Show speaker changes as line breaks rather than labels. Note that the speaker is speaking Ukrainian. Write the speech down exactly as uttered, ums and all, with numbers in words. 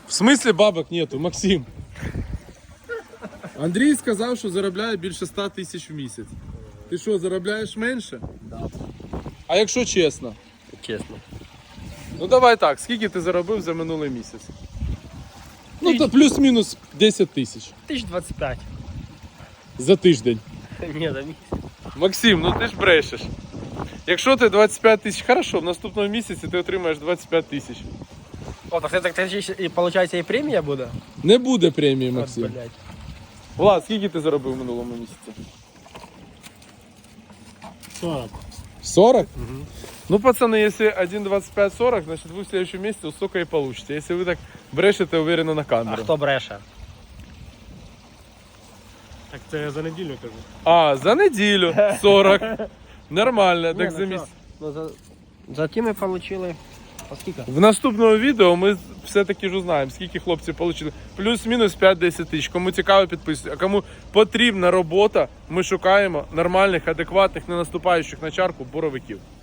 В смислі бабок нету, Максим? Андрій сказав, що заробляє більше ста тисяч в місяць. Ти що, заробляєш менше?
Да.
А якщо чесно?
Чесно.
Ну давай так, скільки ти заробив за минулий місяць? Ну то плюс-мінус десять тисяч.
Тисяч двадцять п'ять.
За тиждень.
Ні, за місяць.
Максим, ну ти ж брешеш. Якщо ти двадцять п'ять тисяч, хорошо, в наступному місяці ти отримаєш двадцять п'ять тисяч.
О, так це так і виходить і премія буде?
Не буде премії,
От,
Максим.
блядь.
Влад, скільки ти заробив в минулому місяці?
сорок.
сорок? Угу. Ну, пацаны, если один двадцать пять сорок, значит вы в следующем месяце столько и получите. Если вы так брешете уверенно на
А
камеру.
хто бреше?
Так це я за неділю кажу.
А, за неділю сорок. Нормально,
Ні,
так
ну
за
що?
місяць.
Ну, за, за ті ми отримали. А скільки?
В наступному відео ми все-таки ж узнаємо, скільки хлопці отримали. Плюс-мінус п'ять-десять тисяч. Кому цікаво, підписуйтесь. А кому потрібна робота, ми шукаємо нормальних, адекватних, не наступаючих на чарку боровиків.